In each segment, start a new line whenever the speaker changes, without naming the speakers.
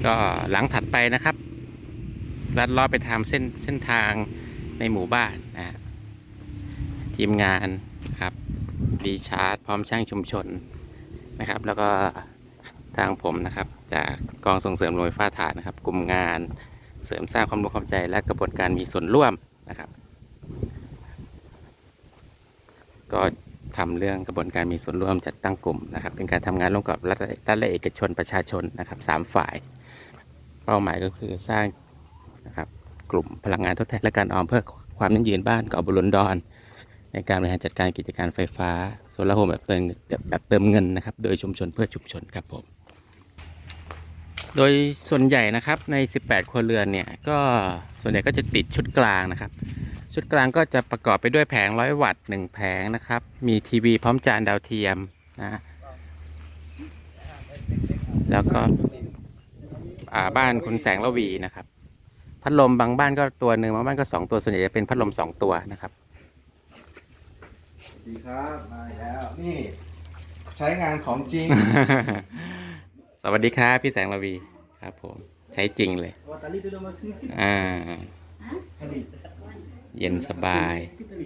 ก็หลังถัดไปนะครับลัดเลาะไปทำเส้นทางในหมู่บ้านนะทีมงานครับรีชาร์จพร้อมช่างชุมชนนะครับแล้วก็ทางผมนะครับจากกองส่งเสริมโรงไฟฟ้าถ่านนะครับกลุ่มงานเสริมสร้างความรู้ความใจและกระบวนการมีส่วนร่วมนะครับก็ทำเรื่องกระบวนการมีส่วนร่วมจัดตั้งกลุ่มนะครับเป็นการทำงานร่วมกับรัฐและเอกชนประชาชนนะครับ3 ฝ่ายเป้าหมายก็คือสร้างนะครับกลุ่มพลังงานทดแทนและการออมเพื่อความยั่งยืนบ้านเกาะบุรดอนในการบริหารจัดการกิจการไฟฟ้าโซลาร์โฮมแบบเติมเงินนะครับโดยชุมชนเพื่อชุมชนครับผมโดยส่วนใหญ่นะครับใน18ครัวเรือนเนี่ยก็ส่วนใหญ่ก็จะติดชุดกลางนะครับชุดกลางก็จะประกอบไปด้วยแผง100 วัตต์1 แผงนะครับมีทีวีพร้อมจานดาวเทียมนะแล้วก็บ้านคุณแสงระวีนะครับพัดลมบางบ้านก็ตัวหนึ่งบางบ้านก็2 ตัวส่วนใหญ่จะเป็นพัดลม2 ตัวนะครับ
ดีครับมาแล้วนี่ใช้งานของจริง
สวัสดีครับพี่แสงระวีครับผมใช้จริงเลยเย็นสบาย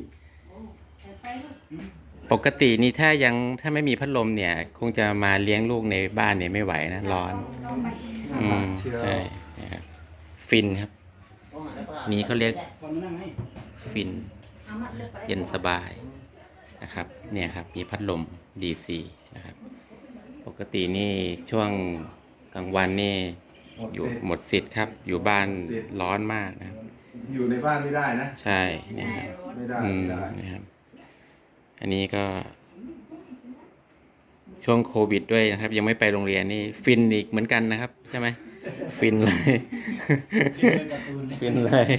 ปกตินี่ถ้าไม่มีพัดลมเนี่ยคงจะมาเลี้ยงลูกในบ้านเนี่ยไม่ไหวนะร้อนใช่นะครับฟินครับนี่เขาเรียกฟินเย็นสบายนะครับเนี่ยครับมีพัดลม DC นะครับปกตินี่ช่วงกลางวันนี่อยู่หมดสิทธิ์ครับอยู่บ้านร้อนมากนะครับ
อยู่ในบ้านไม่ได้นะ
ใช่เนี่ยครับ
ไม่ได้
นะครับอันนี้ก็ช่วงโควิดด้วยนะครับยังไม่ไปโรงเรียนนี่ฟินอีกเหมือนกันนะครับใช่ไหมฟินเลยฟินเลย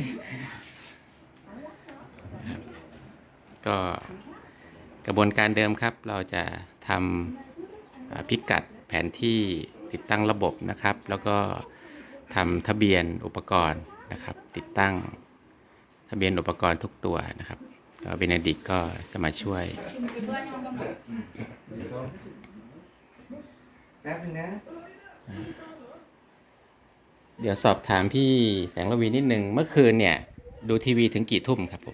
ก็กระบวนการเดิมครับเราจะทำพิกัดแผนที่ติดตั้งระบบนะครับแล้วก็ทำทะเบียนอุปกรณ์นะครับติดตั้งทะเบียนอุปกรณ์ทุกตัวนะครับก็เบเนดิกก็จะมาช่วย
แป๊บนึงนะ
เดี๋ยวสอบถามพี่แสงระวีนิดนึงเมื่อคืนเนี่ยดูทีวีถึงกี่ทุ่มครับผม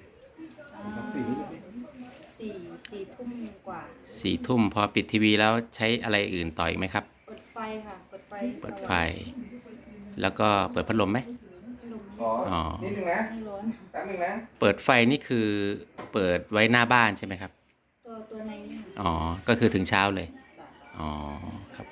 สี่ทุ่มกว่า
4 ทุ่มพอปิดทีวีแล้วใช้อะไรอื่นต่ออีกไหมครับ
เปิดไฟค่ะเปิดไฟ
แล้วก็เปิดพัดลมไหม
อ๋อนิดนึงนะแป๊บนึงนะ
เปิดไฟนี่คือเปิดไว้หน้าบ้านใช่ไหมครับ
ตัวในนี่
อ๋อก็คือถึงเช้าเลยอ๋อครับ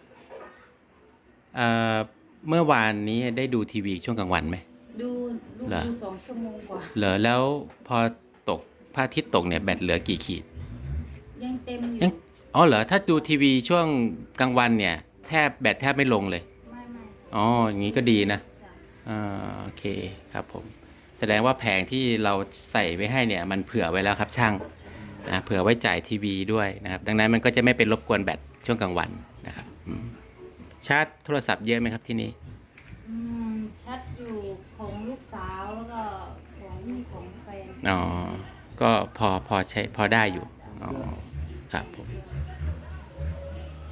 เมื่อวานนี้ได้ดูทีวีช่วงกลางวันไหม
ดู2 ชั่วโมงกว่า
เหรอแล้วพอตกพระอาทิตย์ตกเนี่ยแบตเหลือกี่ขีด
ยังเต็มอยู่
อ๋อเหรอถ้าดูทีวีช่วงกลางวันเนี่ยแบตแทบไม่ลงเลย
ไม่
อ๋ออย่างนี้ก็ดีนะโอเคครับผมแสดงว่าแผงที่เราใส่ไว้ให้เนี่ยมันเผื่อไว้แล้วครับช่างนะเผื่อไว้จ่ายทีวีด้วยนะครับดังนั้นมันก็จะไม่เป็นรบกวนแบตช่วงกลางวันนะครับชาร์จโทรศัพท์เยอะไหมครับที่นี่
ชาร์จอยู่ของลูกสาวแล้วก็ของแฟน
อ๋อก็พอใช้พอได้อยู่อ๋อครับผม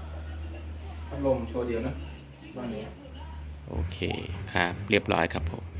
พัดลมตัวเดียวนะ
โอเคครับเรียบร้อยครับผม